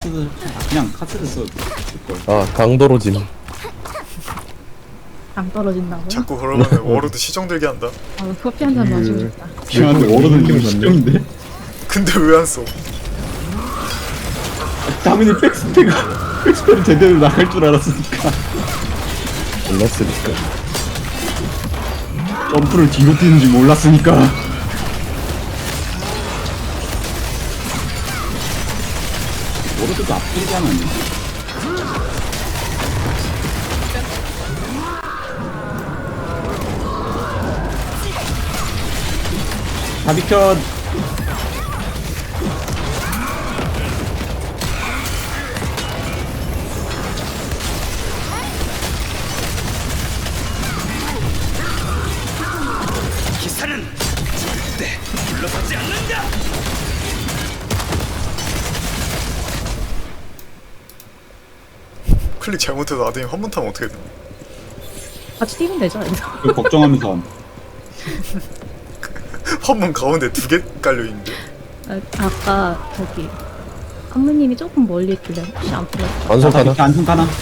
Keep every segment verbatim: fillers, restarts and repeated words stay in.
카드 그냥 카드를 써. 아 강도로짐. 안 떨어진다고? 자꾸 그러면 워로드 시정들게 한다. 아, 커피 한 잔 마시고 싶다. 중요한데 워로드는 좀 시점인데. 근데 왜 안 써? 당연히 백스페가 백스페를 제대로 나갈 줄 알았으니까. 몰랐으니까. 점프를 뒤로 뛰는지 몰랐으니까. 워로드도 앞뒤로 하면 안 돼. 다 비켜. 기사는 절대 물러서지 않는다. 클릭 잘못해서 아드님 한번 타면 어떻게 돼? 같이 뛰면 되죠, 여기서. 그걸 걱정하면서 함. 한번 가운데 두 개 깔려 있는데. 아, 아까 저기 한무님이 조금 멀리 있길래 혹시 안 풀렸어? 완성 다 가나? 비켜 안손 가나?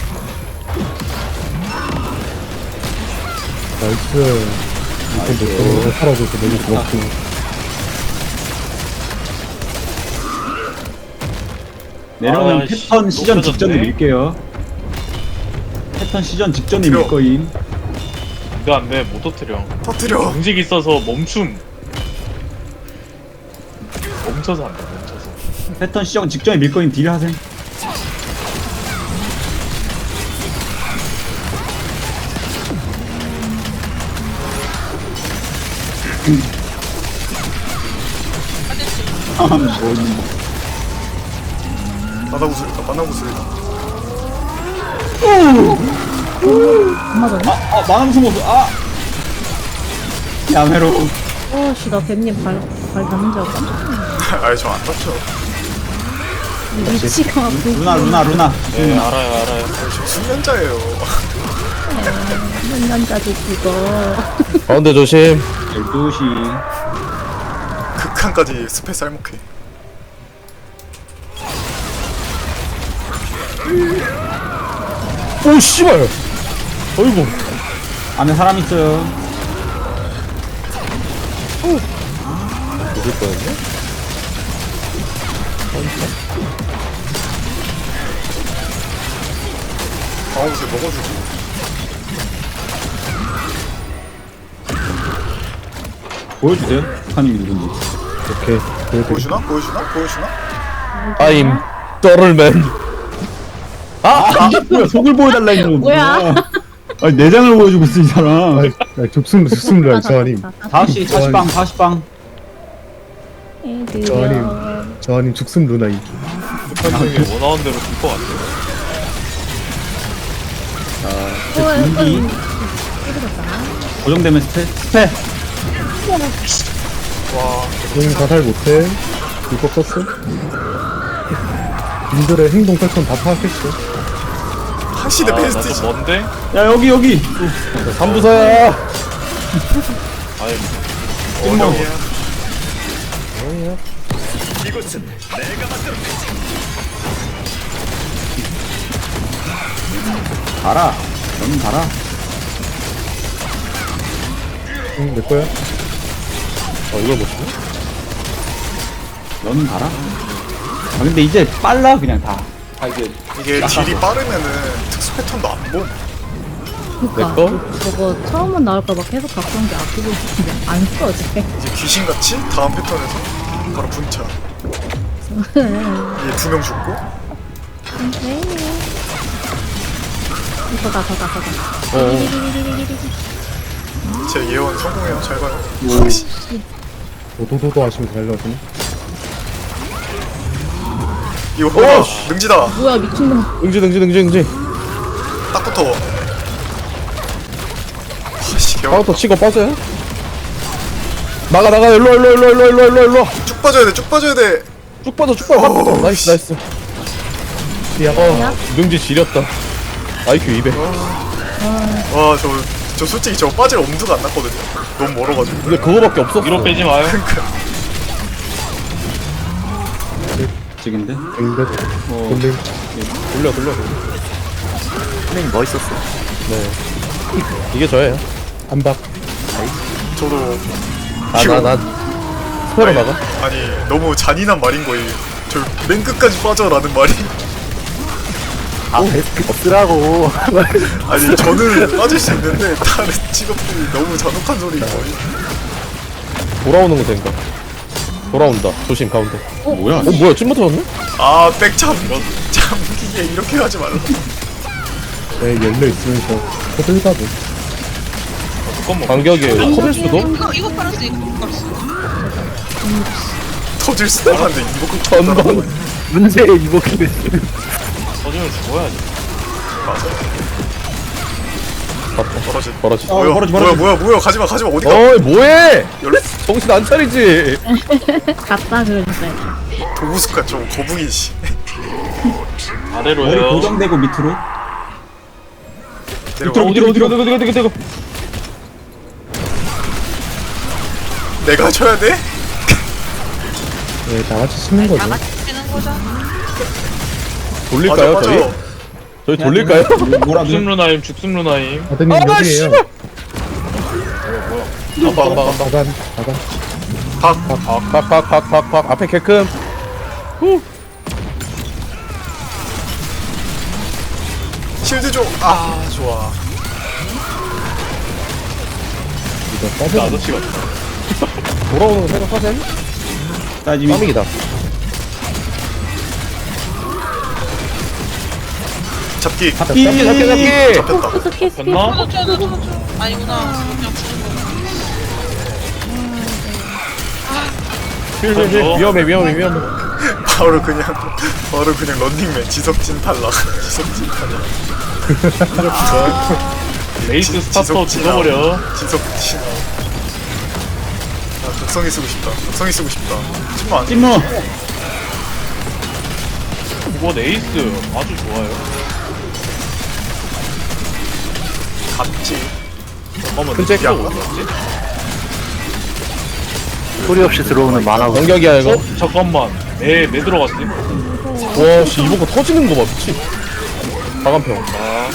나이스. 이렇게 살아줘서 너무 고맙고. 내려오면 아, 씨, 패턴 시전 높여졌네. 직전에 밀게요. 패턴 시전 직전에 들어. 밀 거임. 이거 안 돼, 못 터뜨려. 터뜨려. 움직 있어서 멈춤. 멈춰서 안 돼, 멈춰서. 패턴 시전 직전에 밀 거임. 딜 하셈. 아, 뭐 있는 거. 바다 구슬이다. 바다 구슬이다. 안 맞았네? 아, 아, 만화 무슨 모습. 아! 야매로. 어, 씨, 나 뱀님 발, 발 닿는 줄 알고 깜짝 놀랐네. 아니 저 안 다쳐. 위치가 루나, 루나, 루나. 네, 알아요, 알아요. 아니 저 숙련자예요. 몇 년까지 그거. 가운데 조심. 열두 시. 극한까지 스페 쌀먹해. 오 씨발. 어이구. 안에 사람 있어요. 어딜 뻔했네? 바다 구슬 먹어주고. 보여주세요. 북한님이 누군지. 오케이. 보여드릴게요. 보여주나? 보여주나? 보여주나? I'm 더럴맨. 아, 이게 뭐야? 속을 보여달라 했는 거. 뭐야? 아니, 내장을 보여주고 있어, 이 사람. 아이, 아, 죽습, 죽습니다, 저하님. 다섯 시, 사십 방, 사십 방. 애들이야. 저하님, 저하님 죽습 누나임. 북한님이 원하는 대로 될 것 같아요. 어, 분기. 어, 고정되면 스페. 스페. 응, 다살 못해. 불법 썼어. 님들의 행동 패턴 다 파악했어. 하시드 아, 베스트지. 나좀 먼데? 야, 여기, 여기. 삼부사야. 아이, 어려이야. 이곳은 내가 만들어. 가라. 너는 가라. 응, 내 거야. 어 이걸 못 치네? 너는 가라. 아, 근데 이제 빨라, 그냥 다. 아, 이게. 이게 딜이 빠르면은 특수 패턴도 안 봄. 그니까. 내 거? 저거 처음은 나올까 봐 계속 갖고 게 아끼고 있는데 안 써지. 이제 귀신같이 다음 패턴에서 바로 분차. 이게 두 명 죽고. 이거다, 저다, 저다. 제 예언 성공해요. 잘 봐요. 도도도도 하시면 잘 나오시네. 이거 오, 어, 능지다. 뭐야, 미친놈. 응지 응지 응지 응지. 딱 붙어. 아씨 개와. 카운터 치고 빠져요? 나가 나가 일로 일로 일로 일로 일로 일로 일로. 쭉 빠져야 돼. 쭉 빠져야 돼. 쭉 빠져 쭉 빠져. 오, 나이스 나이스. 어 능지 지렸다. 아이큐 이백. 와 저 저 솔직히 저 빠질 엄두가 안 났거든요. 너무 멀어가지고. 근데 그거밖에 없었어. 위로 빼지 마요. 멋지긴데? 뱅벳 어. 돌림. 돌려 돌려. 선생님 멋있었어. 네. 이게 저예요. 안박. 저도 나나나 스페로 아니, 나가. 아니 너무 잔인한 말인 거예요. 저 맨 끝까지 빠져라는 말이. 아 베스트 없으라고. 아니 저는 빠질 수 있는데 다른 직업들이 너무 잔혹한 소리인 거예요. 돌아오는 거 된다. 돌아온다. 조심 가운데. 뭐야? 어 뭐야 찜 맞았네? 아 백참 참기에 이렇게 하지 말라. 네, 열려 있으면서 호들갑을. 잠깐만. 반격이에요. 커질 수도? 이거 이거 팔았어 이거 팔았어. 터질 수도 있는데 이거 꼭 전방. 문제의 이복기를. 터지면 죽어야지. 떨어지. 벌어지. 어, 뭐야 벌어지, 뭐야 벌어지. 뭐야 뭐야 가지마 가지마 어디가? 어이 뭐해? 열려 정신 안 차리지. 갔다 그러니까요. 도구숙한 좀 거북이 씨. 머리 아래로요. 고정되고 밑으로. 내려가. 어디로 어디로 어디로 어디로 어디로. 내가 쳐야 돼? 네, 다 같이 치는 거죠. 다 같이 쓰는 거죠. 돌릴까요 맞아, 저희? 맞아. 저희 돌릴까요? 뭐라도. 죽숨 루나임, 죽숨 루나임. 아드님 아 여기에요. 씨발. 안봐 안봐 안봐. 바간, 바간. 박박박박박 앞에 개큼. 실드 줘. 아 좋아. 이거 나 빠져. 아저씨 같다. 돌아오는 거 생각하셈? 따지미. 까미기다. 잡기. 잡기. 잡기 잡기 잡기. 잡혔다. 포스 키스 됐나? 저도 저도 저도 아니구나. 그냥 주는 거. 힐, 힐, 힐. 위험해 위험해 위험해. 바로 그냥 바로 그냥 런닝맨 지석진 탈락. 지석진 탈락. 레이스 스타터 지석진아. 죽어버려. 지석진. 아 독성이 쓰고 싶다. 독성이 쓰고 싶다. 친구 안. 찜무. 이거 레이스 아주 좋아요. 갔지. 잠깐만. 근데 이거 야. 어디였지? 소리 없이 들어오는 만화가. 공격이야 이거. 어? 잠깐만. 매, 매 들어갔지? 와씨 이번 거 터지는 거 봐 미치. 박한평. 아,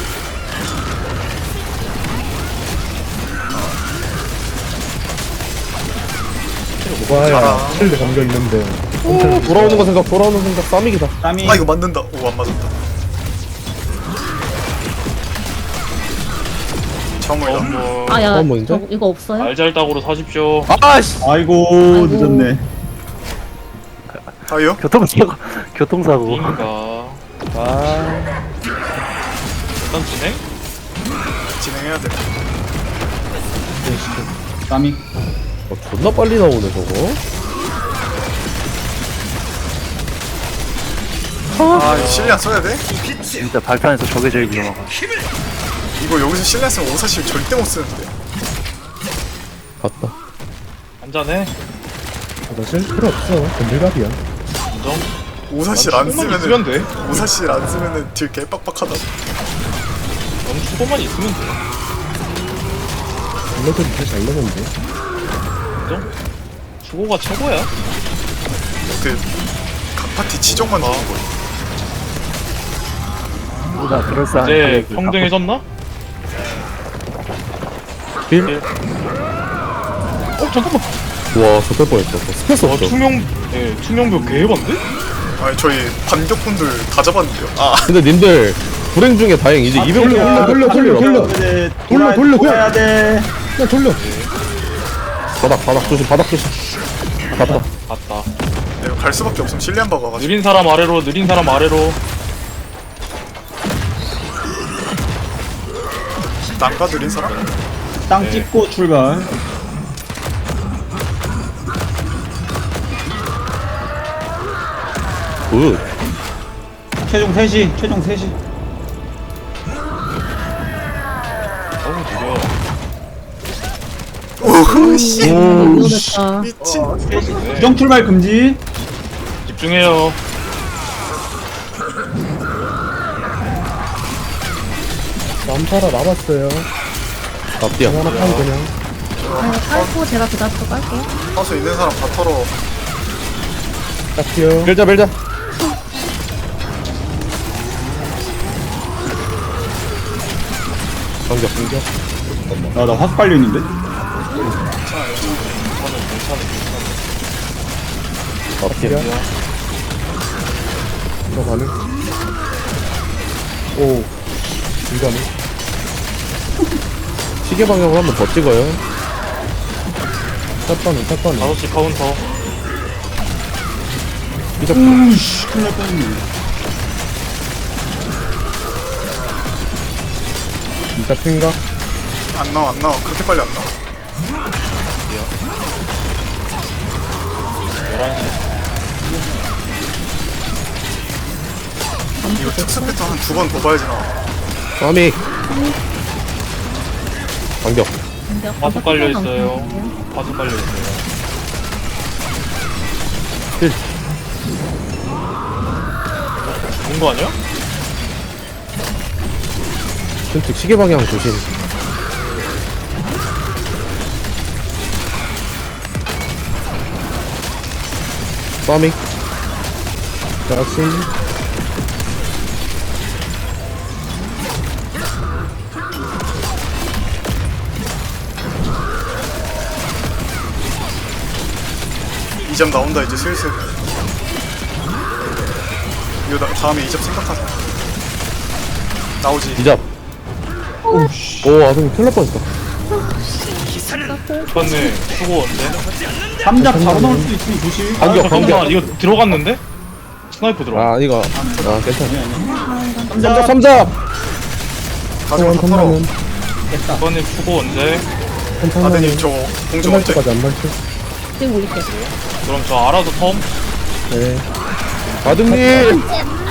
뭐야, 실드 감겨 있는데. 오, 돌아오는 거 생각 돌아오는 생각 싸미기다. 땀이. 아 이거 맞는다. 오 안 맞았다. 정말 나. 뭐, 아야 어, 뭔데? 저 이거 없어요? 알잘딱으로 사십시오. 아씨. 아이고, 늦었네. 아요? 교통사고. 교통사고. 그니까. 아. 일단 진행? 진행해야 돼. 땀이. 어, 존나 빨리 나오네 저거. 아 이거 실리안 써야 돼? 진짜 발판에서 저게 제일 위험하고. 이거 여기서 실리안 쓰면 오사실 절대 못 쓰는데. 갔다. 한잔해. 사실 필요 없어. 건들갑이야. 인정? 오사실 난 안 수고만 쓰면은 있으면 돼. 오사실 안 쓰면은 딜 개빡빡하다. 넌 수고만 있으면 돼. 블러드 이제 잘 넣었는데. 인정? 수고가 최고야. 그각 파티 치정만 주는 거야. 보다 그럴싸한. 이제 가격이 평등해졌나? 힐. 어 잠깐만. 와 저럴 뻔했어. 스페이스 와 없죠. 투명 예 투명벽 개해봤는데? 아니 저희 반격분들 다 잡았는데요. 아 근데 님들 불행 중에 다행 이제 이백 돌려, 돌려, 돌려, 돌려, 돌려. 이제 돌려, 돌려, 돌려. 해야 돼. 그냥 돌려. 바닥 바닥 조심 바닥 조심. 갔다. 맞다. 내가 갈 수밖에 없으면 실리안 박아가지고. 느린 사람 아래로 느린 사람 아래로. 난가 느린 사람? 땅 네. 찍고 출발. 굿. 최종 세 시, 최종 세 시. 너무 느려. 오씨 이거됐다. 미친. 부정 출발 금지. 집중해요. 남사라 남았어요. 앞뒤야. 하나 파고 그냥. 아, 깔고 제가 그 다음부터 깔게요. 파수 있는 사람 다 털어. 딱히요. 밀자 밀자. 반격 반격. 아, 나 확 빨려있는데? 앞이야. 이거 가능? 오, 이거는. 시계 방향으로 한 번 더 찍어요. 샷반은 샷반은. 다섯 시 카운터. 이적 우씨, 큰일 날 뻔했네. 이적 생각. 안 나와 안 나와 그렇게 빨리 안 나와. 열한 시. 이거 특수 패턴 한 두 번 더 봐야지 나와. 파믹. 반격. 공격. 파수 깔려 있어요. 방송이에요. 파수 깔려 있어요. 힐. 죽은 거 아니야? 왼쪽 시계 방향 조심. 파믹. 자신. 이 점 나온다 이제 슬슬. 이거 나, 다음에 이 점 생각하자. 나오지. 이잡. 오씨. 오, 아동 큰일 날 뻔했다. 오빠네 수고 언제? 삼자 바로 나올 수도 있으니 조심. 반격, 아, 반격. 잠깐만 이거 들어갔는데? 스나이퍼 들어가. 아, 이거. 아, 괜찮아. 삼자, 삼자. 가지고 다 털어. 오빠네 수고 언제? 아드님 저 공중 끝날 언제? 때까지 안 밝혀. 지금 올릴게요. 그럼 저 알아서 텀? 네. 아dum님.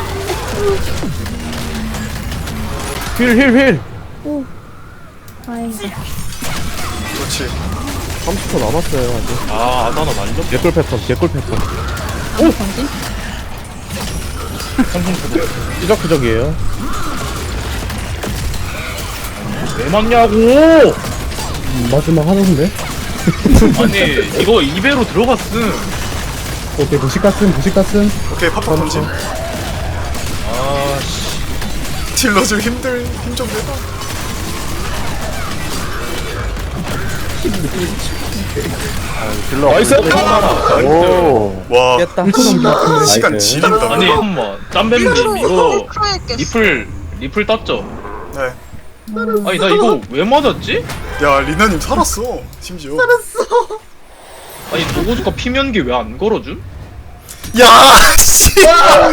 힐, 힐, 힐. 오. 다행이다. 그렇지. 삼십 초 남았어요, 아직. 아 아다나 날려? 개꿀 패턴, 개꿀 패턴. 아무 관심? 삐적삐적이에요. 왜 맞냐고! 음, 마지막 하는데? 아니 이거 이 배로 들어갔음. 오케이, 무식가슴, 무식가슴. 오케이 팝팝 던짐. 아씨. 딜러 좀 힘들 힘 좀 내봐. 딜러. 나이스! 오. 와 깼다. 시간 나이스. 지린다. 아니 잠깐만 짬뱀님 이거 크로에 깼어. 리플 리플 땄죠? 네. 아니 나 이거 왜 맞았지? 야 리나님 살았어. 심지어. 아니 도고주가 피면기 왜 안 걸어줌? 야 씨.